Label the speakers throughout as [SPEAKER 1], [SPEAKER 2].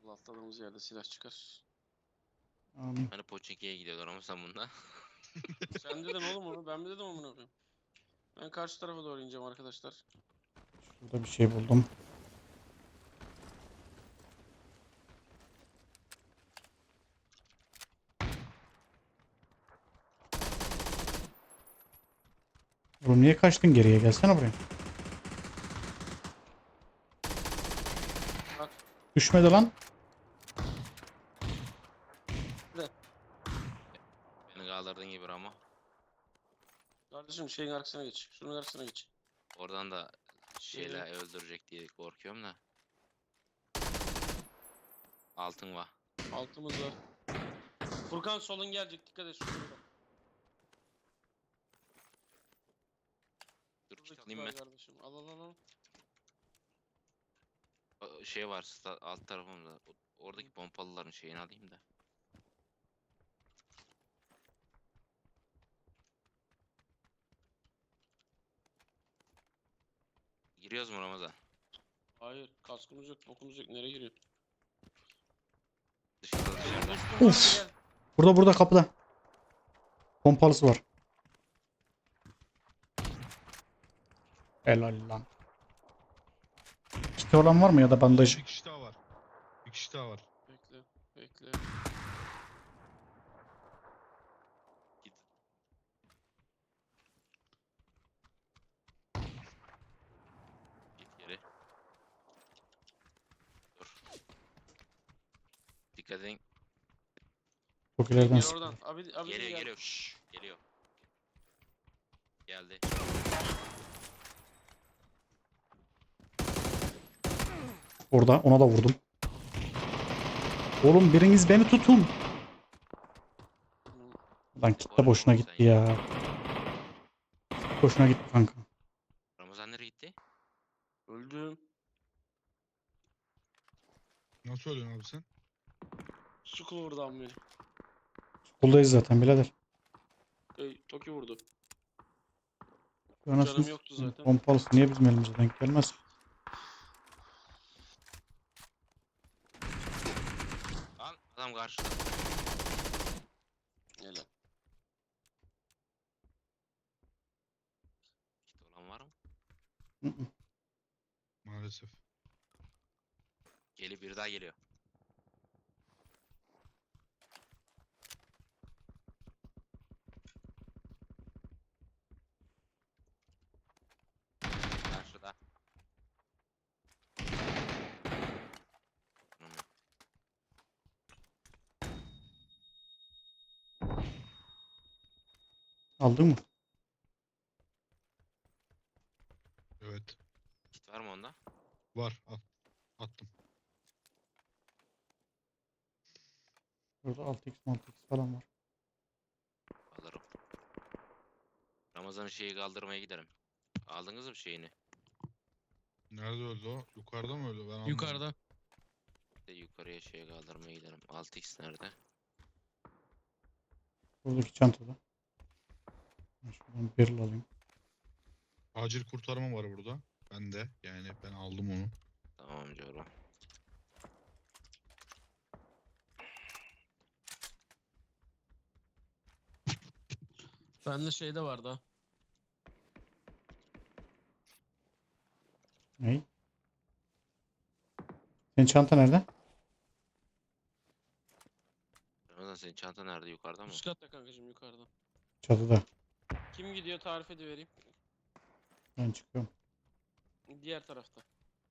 [SPEAKER 1] Atladığımız yerde silah çıkar.
[SPEAKER 2] Amin.
[SPEAKER 3] Hani Pochinki'ye gidiyorlar ama sen bunda.
[SPEAKER 1] Sen dedin oğlum onu. Ben mi dedim amına koyayım? Ben karşı tarafa doğru ineceğim arkadaşlar.
[SPEAKER 2] Şurada bir şey buldum. Oğlum niye kaçtın geriye? Gelsene buraya.
[SPEAKER 1] Bak.
[SPEAKER 2] Düşmedi lan.
[SPEAKER 3] Beni kaldırdığın gibi ama.
[SPEAKER 1] Kardeşim şeyin arkasına geç. Şunun arkasına geç.
[SPEAKER 3] Oradan da şeyle öldürecek diye korkuyorum da. Altın var.
[SPEAKER 1] Altımız var. Furkan solun gelecek. Dikkat et şurada.
[SPEAKER 3] Dur
[SPEAKER 1] Şurada
[SPEAKER 3] kit
[SPEAKER 1] kit
[SPEAKER 3] alayım
[SPEAKER 1] var
[SPEAKER 3] ben.
[SPEAKER 1] kardeşim. Al al al al.
[SPEAKER 3] Şey var alt tarafımda. Oradaki pompalıların şeyini alayım da. Giriyoruz mu Ramazan?
[SPEAKER 1] Hayır. Kaskımız yok. Bokumuz yok. Nereye giriyor?
[SPEAKER 3] Dışarıda
[SPEAKER 1] Benim
[SPEAKER 3] dışarıda.
[SPEAKER 1] dostum var
[SPEAKER 2] Uf.
[SPEAKER 1] mı? Gel.
[SPEAKER 2] Burada kapıda. Pompalısı var. Helal lan. Kiti olan var mı ya da bandaj?
[SPEAKER 4] Bir kişi daha var. Bir kişi daha var.
[SPEAKER 1] Bekle. Bekle.
[SPEAKER 3] Git. Git geri. Dur. Dikkat edin.
[SPEAKER 2] Çok ileriden
[SPEAKER 1] Gel
[SPEAKER 2] sıkıyor.
[SPEAKER 1] oradan. Abi
[SPEAKER 3] Geliyor
[SPEAKER 1] gel.
[SPEAKER 3] geliyor. Şşş, geliyor. Geldi.
[SPEAKER 2] Orada ona da vurdum. Oğlum biriniz beni tutun. Lan kit de boşuna gitti ya. Boşuna gitti kanka.
[SPEAKER 3] Ramazan nereye gitti?
[SPEAKER 1] Öldüm.
[SPEAKER 4] Nasıl ölüyorsun abi sen?
[SPEAKER 1] Suku vurdu am beni.
[SPEAKER 2] Buradayız zaten birader.
[SPEAKER 1] Toki vurdu.
[SPEAKER 2] Anasını
[SPEAKER 1] Canım yoktu
[SPEAKER 2] satayım.
[SPEAKER 1] zaten.
[SPEAKER 2] Pompalısı niye bizim elimize denk gelmez?
[SPEAKER 3] Lan adam karşıda.
[SPEAKER 1] Helal.
[SPEAKER 3] Kit olan var mı?
[SPEAKER 2] Hı hı.
[SPEAKER 4] Maalesef.
[SPEAKER 3] Bir daha geliyor. Karşıda. Hmm.
[SPEAKER 2] Aldın mı?
[SPEAKER 4] Evet.
[SPEAKER 3] Kit var mı onda?
[SPEAKER 4] Var. Al. Attım.
[SPEAKER 2] Burada 6x 6x falan var.
[SPEAKER 3] Alırım. Ramazan'ın şeyi kaldırmaya giderim. Aldınız mı şeyini?
[SPEAKER 4] Nerede öldü o? Yukarıda mı öldü? Ben anlamadım.
[SPEAKER 1] Yukarıda.
[SPEAKER 3] Bir de yukarıya şeye kaldırmaya giderim. 6x nerede?
[SPEAKER 2] Buradaki çantada. Ben şuradan barrel alayım.
[SPEAKER 4] Acil kurtarma var burada. Ben de. Yani ben aldım onu.
[SPEAKER 3] Tamam Coro.
[SPEAKER 1] Bende şeyde vardı ha.
[SPEAKER 2] Ney? Senin çanta nerede?
[SPEAKER 3] Ramazan senin çanta nerede? Yukarıda mı?
[SPEAKER 1] Üst katta kankacım yukarıda.
[SPEAKER 2] Çatıda.
[SPEAKER 1] Kim gidiyor tarif edivereyim.
[SPEAKER 2] Ben çıkıyorum.
[SPEAKER 1] Diğer tarafta.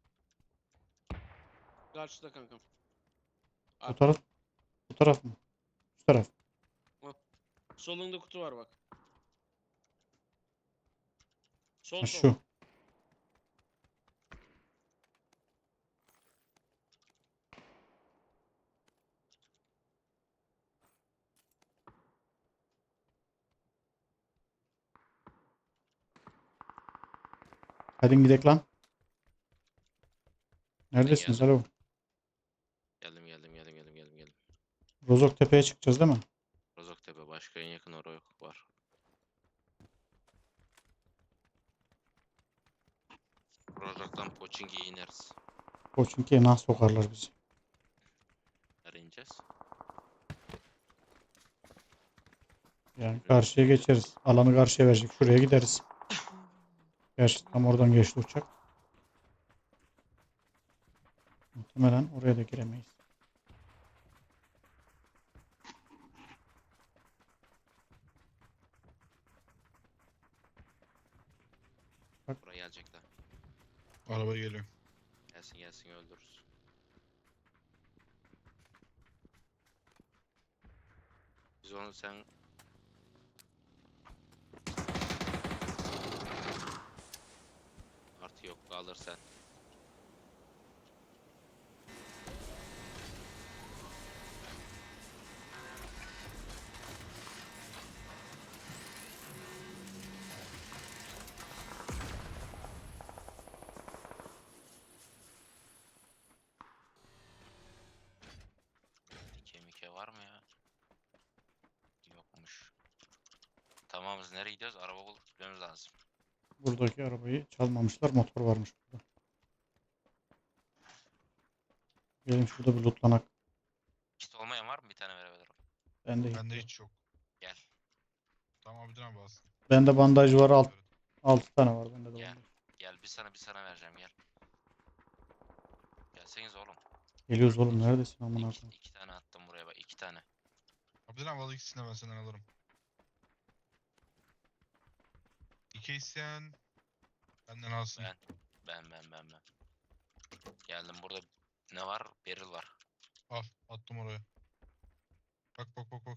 [SPEAKER 1] Karşıda kankam.
[SPEAKER 2] Bu taraf. Bu taraf mı? Şu taraf.
[SPEAKER 1] Solunda kutu var bak. Sol
[SPEAKER 2] Ha,
[SPEAKER 1] sol.
[SPEAKER 2] şu. Hadi gidelim lan. Neredesiniz?
[SPEAKER 3] geldim.
[SPEAKER 2] Alo.
[SPEAKER 3] Geldim.
[SPEAKER 2] Rozok Tepe'ye çıkacağız değil mi?
[SPEAKER 3] Rozoktepe başka en yakın oraya yok var. Rozok'tan Pochinki'ye ineriz.
[SPEAKER 2] Koçinki'ye nasıl sokarlar bizi? Yani karşıya geçeriz. Alanı karşıya verecek. Şuraya gideriz. Gerçi tam oradan geçti uçak. Muhtemelen oraya da giremeyiz.
[SPEAKER 3] Buraya gelecekler.
[SPEAKER 4] Araba geliyor.
[SPEAKER 3] Gelsin gelsin öldürürüz. Biz onu sen... Artı yok kalır sen. Dike var mı ya? Yokmuş. Tamamız nereye gidiyoruz? Araba bulup gitmemiz lazım.
[SPEAKER 2] Buradaki arabayı çalmamışlar. Motor varmış burada. Gelin şurada bir lootlanak.
[SPEAKER 3] Kit olmayan var mı? Bir tane verebilirim.
[SPEAKER 2] Bende
[SPEAKER 4] Bende hiç yok.
[SPEAKER 3] Gel.
[SPEAKER 4] Tamam Abidin abi alsın.
[SPEAKER 2] Bende bandaj var. 6 tane var bende de
[SPEAKER 3] Gel.
[SPEAKER 2] bandaj.
[SPEAKER 3] Gel bir sana vereceğim gel. Gelseniz oğlum.
[SPEAKER 2] Geliyoruz oğlum, neredesin amına
[SPEAKER 3] İki,
[SPEAKER 2] koyayım?
[SPEAKER 3] iki tane attım buraya bak. 2 tane.
[SPEAKER 4] Abidin abi al ikisini de ben senden alırım. 2 isteyen benden alsın.
[SPEAKER 3] Ben. Geldim burada ne var? Beril var.
[SPEAKER 4] Al attım oraya. Bak.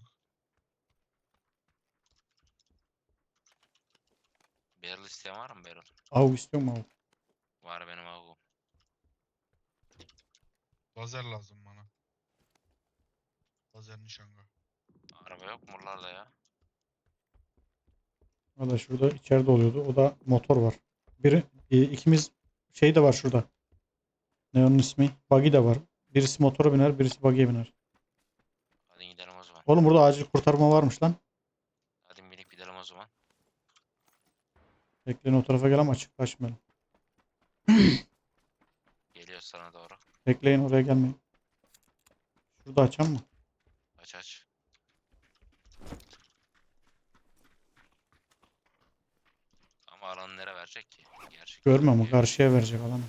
[SPEAKER 3] Beril isteyen var mı Beril?
[SPEAKER 2] Av istiyor mu av?
[SPEAKER 3] Var benim avum.
[SPEAKER 4] Lazer lazım bana. Lazer nişanga.
[SPEAKER 3] Araba yok mu buralarda ya?
[SPEAKER 2] O da şurada içeride oluyordu. O da motor var. İkimiz şey de var şurada. Ne onun ismi? Buggy de var. Birisi motora biner, birisi buggy'e biner.
[SPEAKER 3] Hadi gidelim o zaman.
[SPEAKER 2] Oğlum burada acil kurtarma varmış lan.
[SPEAKER 3] Hadi binip gidelim o zaman.
[SPEAKER 2] Bekleyin, o tarafa gel ama açık kaçmayalım.
[SPEAKER 3] Geliyoruz sana doğru.
[SPEAKER 2] Bekleyin, oraya gelmeyin. Şurada açan mı?
[SPEAKER 3] Aç. Ama alanı nereye verecek ki? Gerçekten.
[SPEAKER 2] Görmüyor mu? Karşıya verecek alanı.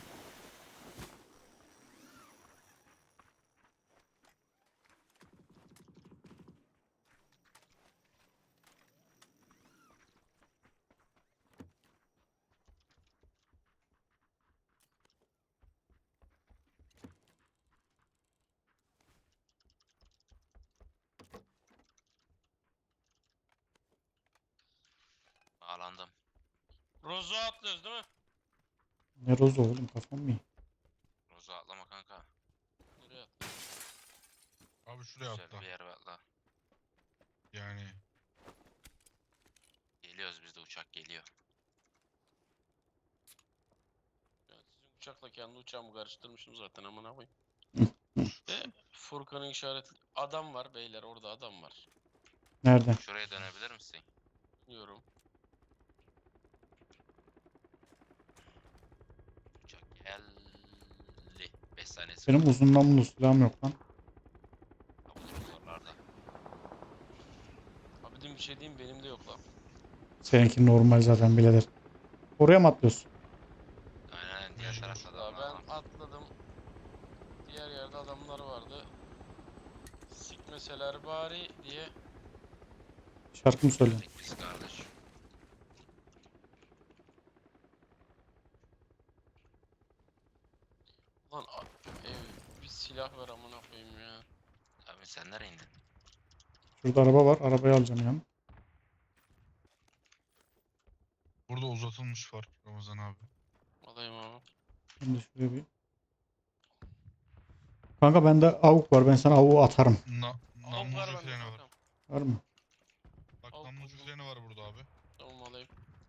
[SPEAKER 3] Bağlandım.
[SPEAKER 1] Rozo atlıyoruz değil mi?
[SPEAKER 2] Ne rozu oğlum, kafam mı iyi?
[SPEAKER 3] Roza atlama kanka.
[SPEAKER 1] Nereye atlıyoruz?
[SPEAKER 4] Abi şuraya
[SPEAKER 3] Güzel
[SPEAKER 4] atla.
[SPEAKER 3] bir yer atla.
[SPEAKER 4] Yani
[SPEAKER 3] Geliyoruz biz de uçak geliyor.
[SPEAKER 1] Ya sizin uçakla kendi uçağımı karıştırmışım zaten amına koyayım. Ve Furkan'ın işareti adam var beyler, orada adam var.
[SPEAKER 2] Nerede?
[SPEAKER 3] Şuraya dönebilir misin?
[SPEAKER 1] Diyorum.
[SPEAKER 3] Uçak geldi. 5 saniyesi
[SPEAKER 2] Benim
[SPEAKER 3] kaldı.
[SPEAKER 2] uzun namlulu silahım yok lan.
[SPEAKER 3] Ha, buluruz oralarda.
[SPEAKER 1] Abi bir şey diyeyim, benim de yok lan.
[SPEAKER 2] Seninki normal zaten birader. Oraya mı atlıyorsun?
[SPEAKER 3] Aynen diğer
[SPEAKER 4] Mecbur.
[SPEAKER 3] tarafta da
[SPEAKER 1] Ya
[SPEAKER 3] var.
[SPEAKER 1] ben atladım. Diğer yerde adamlar vardı. Sikmeseler bari diye.
[SPEAKER 2] Şarkı mı söylüyorsun?
[SPEAKER 3] Geldik biz kardeş.
[SPEAKER 1] Lan bir silah ver amına koyayım ya.
[SPEAKER 3] Abi sen nereye indin?
[SPEAKER 2] Şurada araba var. Arabayı alacağım yani.
[SPEAKER 4] burada uzatılmış var Ramazan abi.
[SPEAKER 1] Alayım abi.
[SPEAKER 2] Ben de şuraya bir... Kanka bende avuk var. Ben sana avuğu atarım.
[SPEAKER 1] Avuk var
[SPEAKER 4] Namlucu
[SPEAKER 1] bende
[SPEAKER 4] freni var.
[SPEAKER 1] kankam.
[SPEAKER 2] Var mı?
[SPEAKER 4] Bak
[SPEAKER 1] Avuk
[SPEAKER 4] namlucu
[SPEAKER 1] buldum.
[SPEAKER 4] freni var burada abi.
[SPEAKER 1] Tamam alayım.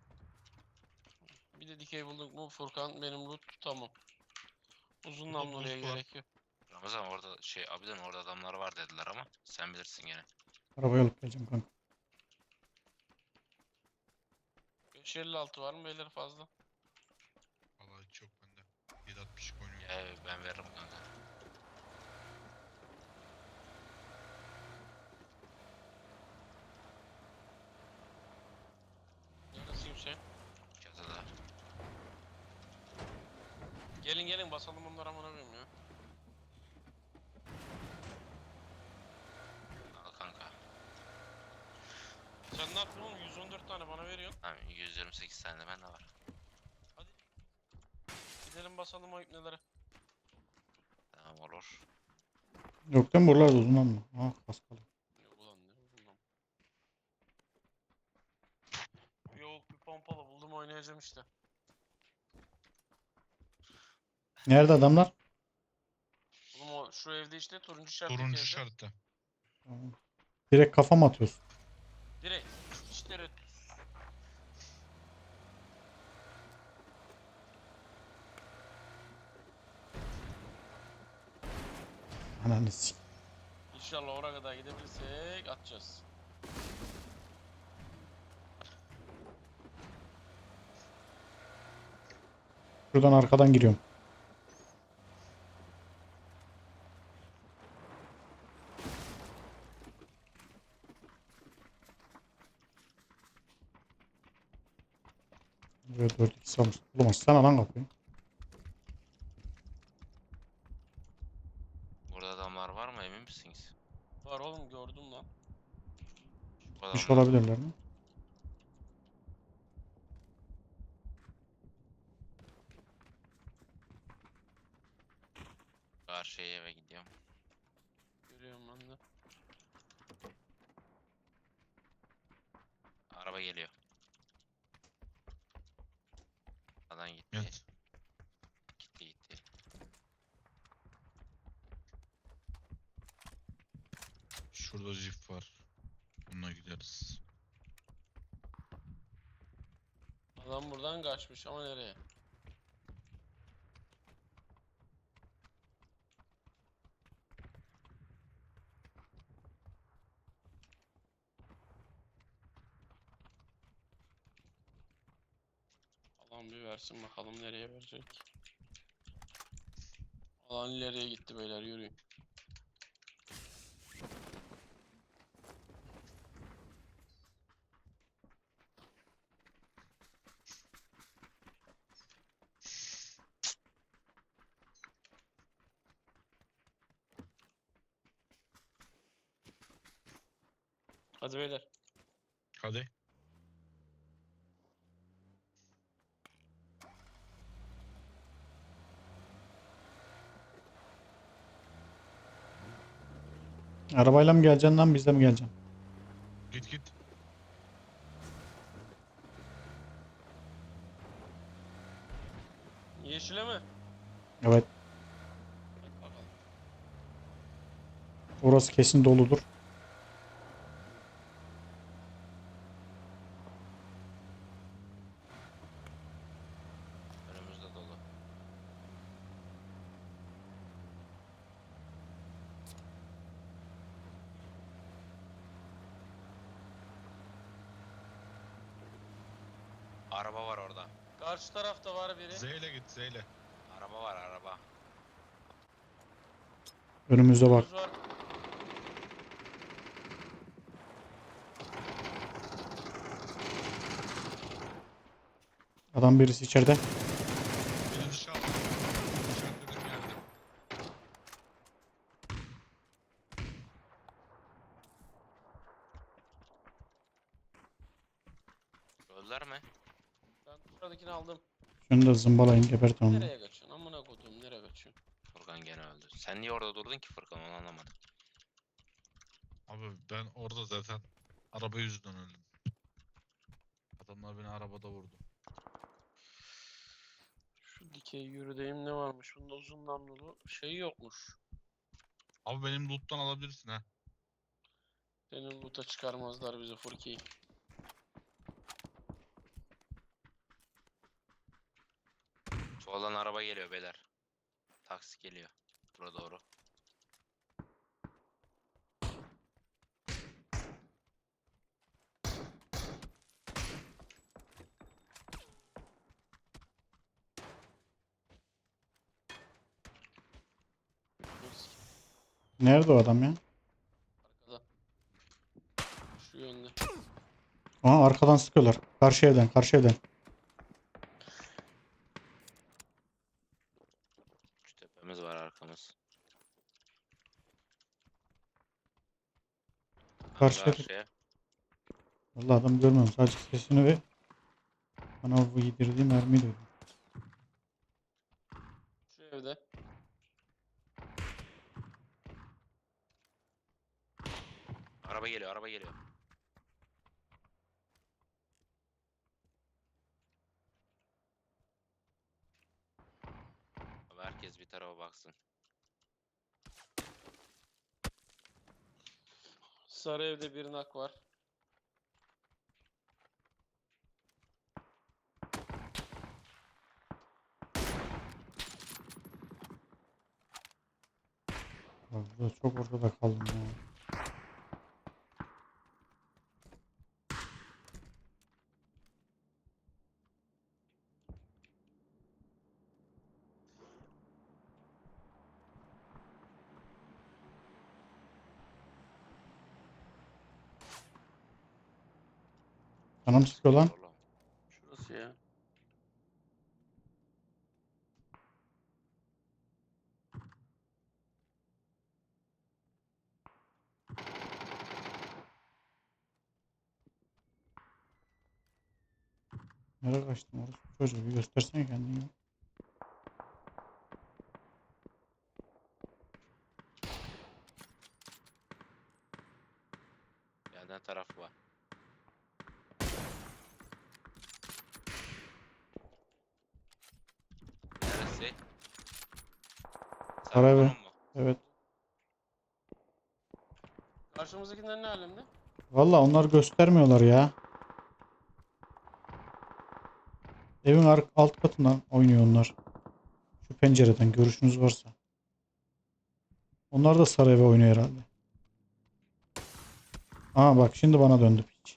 [SPEAKER 1] Bir de dikey bulduk mu Furkan, benim loot tamam. Uzun
[SPEAKER 4] Burada
[SPEAKER 1] namluya
[SPEAKER 4] boost var.
[SPEAKER 1] gerek yok.
[SPEAKER 3] Ramazan orada abiden orada adamlar var dediler ama sen bilirsin gene.
[SPEAKER 2] Arabayı alıp geleceğim kanka.
[SPEAKER 1] 556 var mı beyler fazla?
[SPEAKER 4] Vallahi hiç yok bende. 7.62 oynuyor.
[SPEAKER 3] Ya ben veririm kanka.
[SPEAKER 1] Gelin gelin basalım onları amına koyayım ya.
[SPEAKER 3] Al kanka.
[SPEAKER 1] Sen ne yaptın oğlum? 114 tane bana veriyorsun.
[SPEAKER 3] Tamam 128 tane de bende var.
[SPEAKER 1] Hadi. Gidelim basalım o ipnelere.
[SPEAKER 3] Tamam olur.
[SPEAKER 2] Yok değil mi buralarda uzun ama. Ah kaskalı.
[SPEAKER 1] Yok ulan ne buldum. Yok bir pompalı buldum oynayacağım işte.
[SPEAKER 2] Nerede adamlar?
[SPEAKER 1] Oğlum o şu evde işte turuncu şarttaki
[SPEAKER 4] Turuncu
[SPEAKER 1] evde.
[SPEAKER 4] şartta.
[SPEAKER 2] Tamam. Direkt kafa mı atıyorsun?
[SPEAKER 1] Direkt. İşte red.
[SPEAKER 2] Ananı sik.
[SPEAKER 1] İnşallah oraya kadar gidebilirsek atacağız.
[SPEAKER 2] Şuradan arkadan giriyorum. Buraya 4-2 salmış. Oğlum açsana lan kapıyı.
[SPEAKER 3] Burada adamlar var mı emin misiniz?
[SPEAKER 1] Var oğlum gördüm lan.
[SPEAKER 3] Bu
[SPEAKER 2] Kuş
[SPEAKER 3] adamlar
[SPEAKER 2] olabilirler mi?
[SPEAKER 3] karşıya eve gidiyorum.
[SPEAKER 1] Görüyorum ben de.
[SPEAKER 3] Araba geliyor. Adam gitti.
[SPEAKER 4] Evet.
[SPEAKER 3] Gitti.
[SPEAKER 4] Şurada jip var. Bununla gideriz.
[SPEAKER 1] Adam buradan kaçmış ama nereye? Alan bir versin bakalım nereye verecek. Alan ileriye gitti beyler yürüyün. Hadi beyler.
[SPEAKER 4] Hadi.
[SPEAKER 2] Arabayla mı geleceksin lan bizle mi geleceksin?
[SPEAKER 4] Git git.
[SPEAKER 1] Yeşile mi?
[SPEAKER 2] Evet.
[SPEAKER 1] Hadi bakalım.
[SPEAKER 2] Orası kesin doludur.
[SPEAKER 3] Önümüzde dolu. Araba var orada.
[SPEAKER 1] Karşı tarafta var biri.
[SPEAKER 4] Z ile git Z ile.
[SPEAKER 3] Araba var araba.
[SPEAKER 2] Önümüze bak.
[SPEAKER 1] Önümüz var.
[SPEAKER 2] Adam birisi içeride.
[SPEAKER 4] Beni dışarı al. İşaretlediğim yerde.
[SPEAKER 3] Öldüler mi?
[SPEAKER 1] Ben buradakini aldım.
[SPEAKER 2] Şunu da zımbalayın gebertin onu.
[SPEAKER 1] Nereye kaçıyorsun? Amına koduğum nereye kaçıyorsun?
[SPEAKER 3] Furkan gene öldü. Sen niye orada durdun ki Furkan onu anlamadım.
[SPEAKER 4] Abi ben orada zaten araba yüzünden öldüm. Adamlar beni arabada vurdu.
[SPEAKER 1] Şu dikey yürüdeyim ne varmış? Bunda uzun namlulu şey yokmuş.
[SPEAKER 4] Abi benim loot'tan alabilirsin ha.
[SPEAKER 1] Senin loot'a çıkarmazlar bizi Furki.
[SPEAKER 3] Soldan araba geliyor beyler. Taksi geliyor. Bura doğru.
[SPEAKER 2] Nerede o adam ya?
[SPEAKER 1] Arkada. Şu yönde.
[SPEAKER 2] Aha arkadan sıkıyorlar. Karşı evden, karşı evden.
[SPEAKER 3] tepemiz var arkamız.
[SPEAKER 2] Karşıya dur.
[SPEAKER 3] Karşıya.
[SPEAKER 2] Vallahi adam görmüyorum. Sadece sesini ve bana bu yedirdiği mermiyi duydum.
[SPEAKER 1] Şu evde.
[SPEAKER 3] Araba geliyor, araba geliyor. Abi herkes bir tarafa baksın.
[SPEAKER 1] Sarı evde bir nak var.
[SPEAKER 2] Bak burada çok ortada kaldım ya. Canım sıkıyor lan.
[SPEAKER 3] Oğlum,
[SPEAKER 1] Şurası ya.
[SPEAKER 2] Nereye kaçtın orası? Çocuğu bir göstersene kendini. Ya.
[SPEAKER 3] yerden tarafı var. Neresi?
[SPEAKER 2] Saray
[SPEAKER 3] Sarı
[SPEAKER 2] be.
[SPEAKER 3] konum mu?
[SPEAKER 2] Evet.
[SPEAKER 1] Karşımızdakiler ne alemde?
[SPEAKER 2] Valla onlar göstermiyorlar ya. Evin alt katından oynuyor onlar. Şu pencereden görüşünüz varsa. Onlar da sarı eve oynuyor herhalde. Aa bak şimdi bana döndü piç.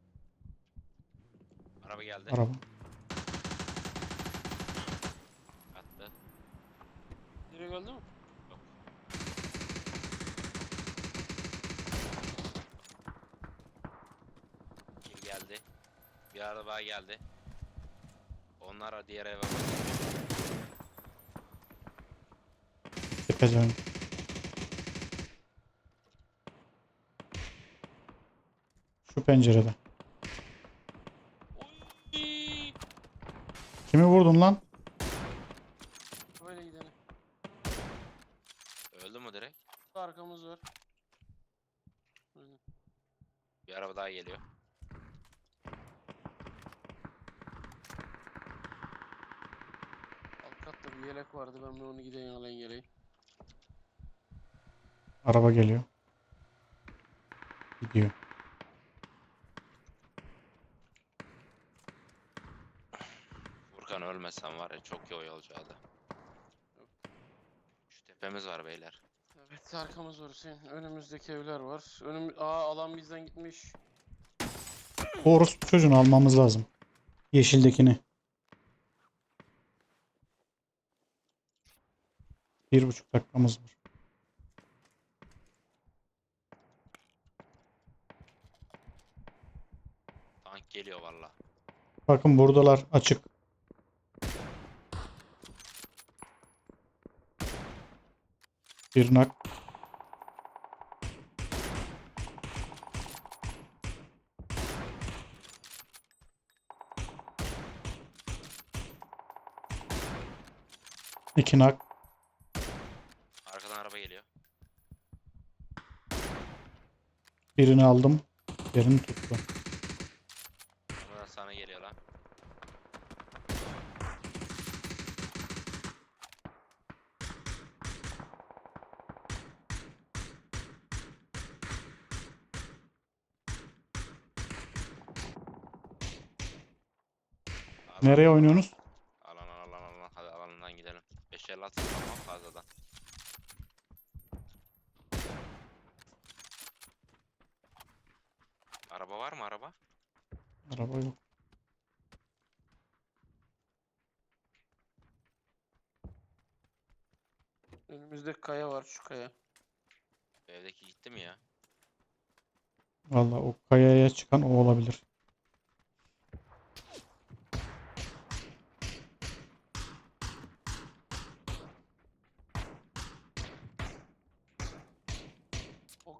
[SPEAKER 3] Araba geldi.
[SPEAKER 2] Araba.
[SPEAKER 3] Attı.
[SPEAKER 1] Biri öldü mü?
[SPEAKER 3] Yok. Kill geldi. Bir araba geldi. Onlar diğer eve bakıyor.
[SPEAKER 2] Tepeceğim. Şu pencerede.
[SPEAKER 1] Oy!
[SPEAKER 2] Kimi vurdun lan?
[SPEAKER 1] Böyle gidelim.
[SPEAKER 3] Öldü mü direkt?
[SPEAKER 1] Arkamız var. Aynen.
[SPEAKER 3] Bir araba daha geliyor.
[SPEAKER 1] Alt katta bir yelek vardı. Ben bir onu gideyim alayım geleyim.
[SPEAKER 2] Araba geliyor. Gidiyor.
[SPEAKER 3] Furkan ölmesen var ya çok iyi oyalacaktı. Şu tepemiz var beyler.
[SPEAKER 1] Evet arkamız var Hüseyin. Önümüzdeki evler var. Alan bizden gitmiş.
[SPEAKER 2] O orospu çocuğunu almamız lazım. Yeşildekini. 1,5 dakikamız var.
[SPEAKER 3] Tank geliyor valla.
[SPEAKER 2] Bakın buradalar açık. Bir nak. İki nak.
[SPEAKER 3] Arkadan araba geliyor.
[SPEAKER 2] Birini aldım. Birini tuttu.
[SPEAKER 3] Buradan sana geliyor lan.
[SPEAKER 2] Nereye oynuyorsunuz?
[SPEAKER 3] Alan. Hadi alanından gidelim. 550 atın tamam fazladan. Araba var mı araba?
[SPEAKER 2] Araba yok.
[SPEAKER 1] Önümüzde kaya var şu kaya.
[SPEAKER 3] Evdeki gitti mi ya?
[SPEAKER 2] Vallahi o kayaya çıkan o olabilir.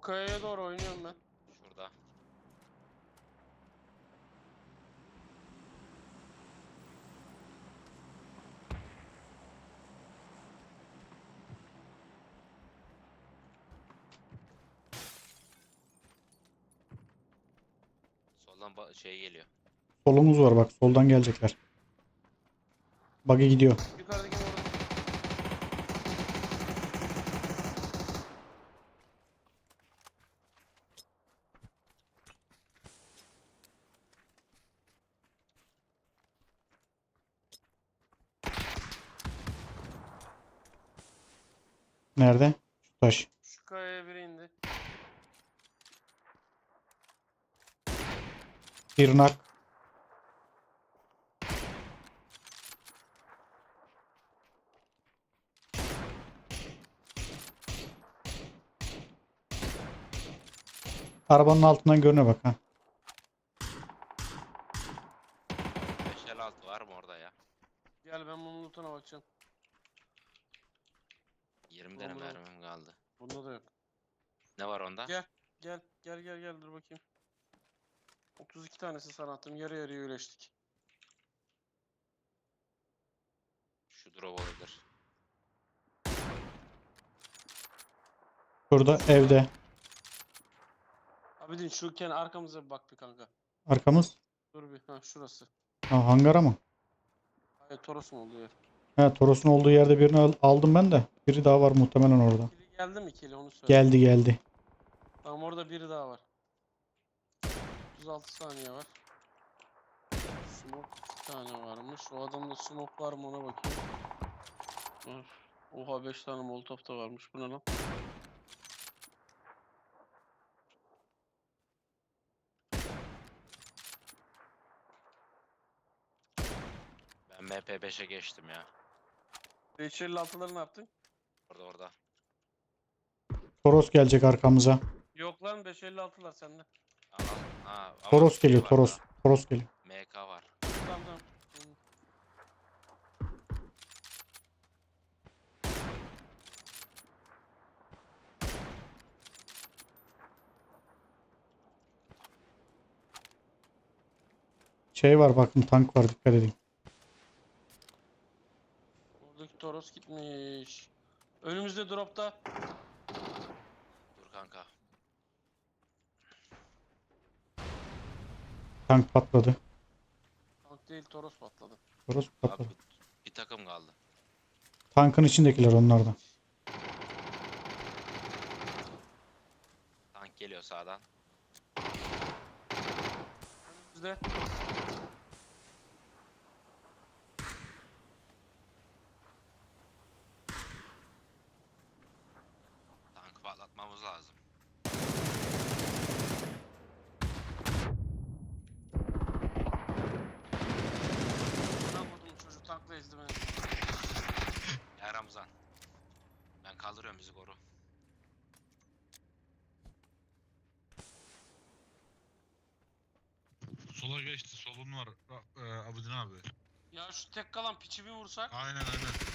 [SPEAKER 1] kayaya doğru oynuyorum ben.
[SPEAKER 3] Şurada. Soldan şey geliyor.
[SPEAKER 2] Solumuz var bak. Soldan gelecekler. Buggy gidiyor.
[SPEAKER 1] Yukarıdaki orada.
[SPEAKER 2] Nerede? Şu taş.
[SPEAKER 1] Şu kayaya biri indi.
[SPEAKER 2] Bir nak. Arabanın altından görüne bak ha.
[SPEAKER 3] 556 var mı orada ya?
[SPEAKER 1] Gel ben bunun lootuna bakacağım.
[SPEAKER 3] 20 tane
[SPEAKER 1] Tamam,
[SPEAKER 3] mermim kaldı.
[SPEAKER 1] Bunda da yok.
[SPEAKER 3] Ne var onda?
[SPEAKER 1] Gel. Gel dur bakayım. 32 tanesi sana attım. Yarı yarıya öleştik.
[SPEAKER 3] Şu drop olabilir.
[SPEAKER 2] Şurada evde.
[SPEAKER 1] Abidin şu arkamıza bir bak bir kanka.
[SPEAKER 2] Arkamız.
[SPEAKER 1] Dur bir. Ha şurası.
[SPEAKER 2] Ha, hangara mı?
[SPEAKER 1] Hayır Toros'un olduğu yer.
[SPEAKER 2] He, Toros'un olduğu yerde birini aldım ben de. Biri daha var muhtemelen orada.
[SPEAKER 1] Kili geldi mi kili onu söyle.
[SPEAKER 2] Geldi geldi.
[SPEAKER 1] Tamam orada biri daha var. 36 saniye var. Smoke 2 tane varmış. O adamda smoke var mı ona bakayım. Of. Oha 5 tane molotof da varmış. Bu ne lan?
[SPEAKER 3] Ben MP5'e geçtim ya.
[SPEAKER 1] 556'ları ne yaptın?
[SPEAKER 3] Orada.
[SPEAKER 2] Toros gelecek arkamıza.
[SPEAKER 1] Yok lan 556'lar sende.
[SPEAKER 3] Al. Ha, ama
[SPEAKER 2] Toros
[SPEAKER 3] şey
[SPEAKER 2] geliyor
[SPEAKER 3] var
[SPEAKER 2] Toros.
[SPEAKER 3] daha.
[SPEAKER 2] Toros geliyor.
[SPEAKER 3] MK var.
[SPEAKER 1] Tamam.
[SPEAKER 2] Şey var bakın tank var dikkat edin.
[SPEAKER 1] Oradaki Toros gitmiş. Önümüzde dropta.
[SPEAKER 3] Dur kanka.
[SPEAKER 2] Tank patladı.
[SPEAKER 1] Tank değil Toros patladı.
[SPEAKER 2] Toros
[SPEAKER 3] Abi
[SPEAKER 2] patladı.
[SPEAKER 3] bir takım kaldı.
[SPEAKER 2] Tankın içindekiler onlardan.
[SPEAKER 3] Tank geliyor sağdan.
[SPEAKER 1] Önümüzde.
[SPEAKER 3] Tankı patlatmamız lazım.
[SPEAKER 1] Ben vurdum çocuk tankla ezdi beni.
[SPEAKER 3] Ya Ramazan. Ben kaldırıyorum bizi koru.
[SPEAKER 4] Sola geçti. Solun var. Abidin abi.
[SPEAKER 1] Ya şu tek kalan piçi bir vursak.
[SPEAKER 4] Aynen.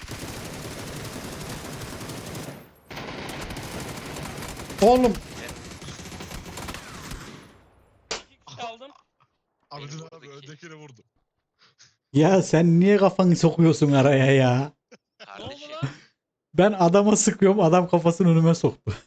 [SPEAKER 2] Oğlum
[SPEAKER 1] 2 kişi aldım.
[SPEAKER 4] Abidin
[SPEAKER 3] vurdu
[SPEAKER 4] abi
[SPEAKER 3] ki.
[SPEAKER 4] öndekini vurdu.
[SPEAKER 2] ya sen niye kafanı sokuyorsun araya ya?
[SPEAKER 1] Ne oldu
[SPEAKER 3] Kardeşim.
[SPEAKER 1] lan?
[SPEAKER 2] Ben adama sıkıyorum adam kafasını önüme soktu.